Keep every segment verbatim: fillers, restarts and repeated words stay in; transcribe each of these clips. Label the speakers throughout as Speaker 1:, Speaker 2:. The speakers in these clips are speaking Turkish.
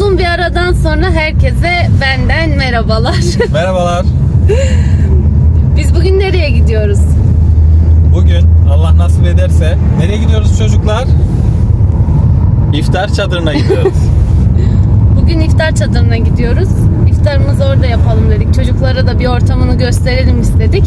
Speaker 1: Uzun bir aradan sonra herkese benden merhabalar.
Speaker 2: Merhabalar.
Speaker 1: Biz bugün nereye gidiyoruz?
Speaker 2: Bugün Allah nasip ederse nereye gidiyoruz çocuklar? İftar çadırına gidiyoruz.
Speaker 1: Bugün iftar çadırına gidiyoruz. İftarımızı orada yapalım dedik. Çocuklara da bir ortamını gösterelim istedik.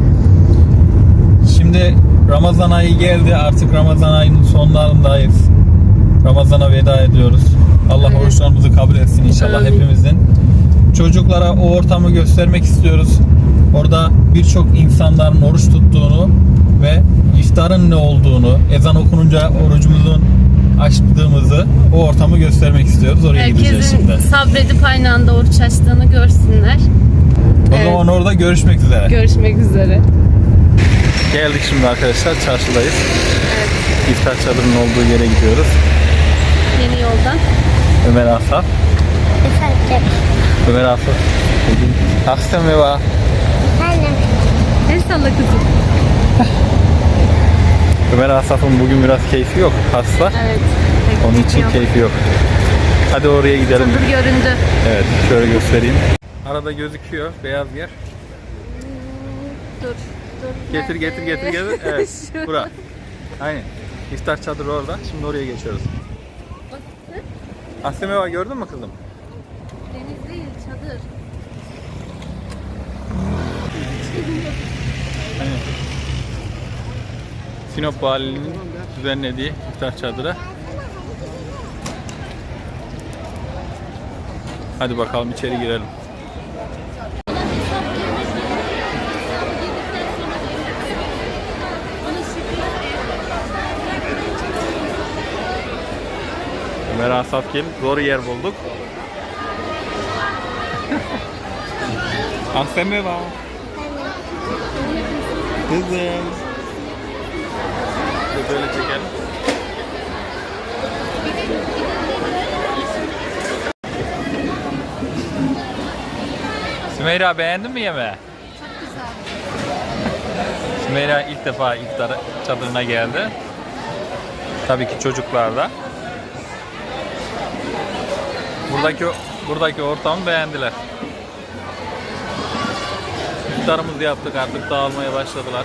Speaker 2: Şimdi Ramazan ayı geldi. Artık Ramazan ayının sonlarındayız. Ramazana veda ediyoruz. Allah
Speaker 1: Evet.
Speaker 2: oruçlarımızı kabul etsin inşallah
Speaker 1: Amin.
Speaker 2: hepimizin. Çocuklara o ortamı göstermek istiyoruz. Orada birçok insanların oruç tuttuğunu ve iftarın ne olduğunu, ezan okununca orucumuzun açtığımızı, o ortamı göstermek istiyoruz. Oraya gideceğiz şimdi.
Speaker 1: Herkesin sabredip aynı anda oruç açtığını görsünler.
Speaker 2: O
Speaker 1: Evet.
Speaker 2: zaman orada görüşmek üzere.
Speaker 1: Görüşmek üzere.
Speaker 2: Geldik şimdi arkadaşlar, çarşıdayız.
Speaker 1: Evet.
Speaker 2: İftar çadırının olduğu yere gidiyoruz.
Speaker 1: Yeni yoldan.
Speaker 2: Ömer Asaf.
Speaker 3: Efendim.
Speaker 2: Ömer Asaf. Akşam ve var.
Speaker 3: Efendim.
Speaker 1: El salla kızım.
Speaker 2: Ömer Asaf'ın bugün biraz keyfi yok. Hasta.
Speaker 1: Evet.
Speaker 2: Onun için
Speaker 1: Yok.
Speaker 2: keyfi yok. Hadi oraya gidelim.
Speaker 1: Çadır göründü.
Speaker 2: Evet, şöyle göstereyim. Arada gözüküyor beyaz yer.
Speaker 1: Dur. Dur.
Speaker 2: Getir getir getir getir. Evet. Bura. Aynen. İftar çadırı orada. Şimdi oraya geçiyoruz. Asleme var, gördün mü kızım?
Speaker 1: Deniz değil, çadır.
Speaker 2: Aynen. Sinop Valiliğinin düzenlediği iftar çadırı. Hadi bakalım içeri girelim. Ömer Asafgil, zor yer bulduk. Akseme var. Kızım. Dur böyle çekelim. Sümeyra, beğendin mi yemeği?
Speaker 1: Çok güzel.
Speaker 2: Sümeyra ilk defa iftar çadırına geldi. Tabii ki çocuklar da. Buradaki buradaki ortamı beğendiler. İftarımızı yaptık, artık dağılmaya başladılar.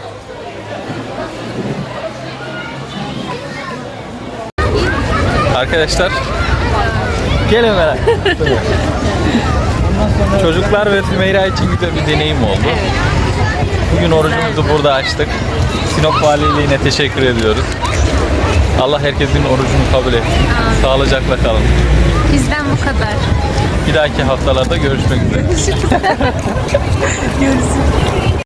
Speaker 2: Arkadaşlar, gelin Ömer'e. Çocuklar ve Sümeyra için güzel bir deneyim oldu. Bugün orucumuzu burada açtık. Sinop Valiliğine teşekkür ediyoruz. Allah herkesin orucunu kabul etsin. Sağlıcakla kalın.
Speaker 1: Bizden bu kadar.
Speaker 2: Bir dahaki haftalarda görüşmek üzere.
Speaker 1: Görüşürüz.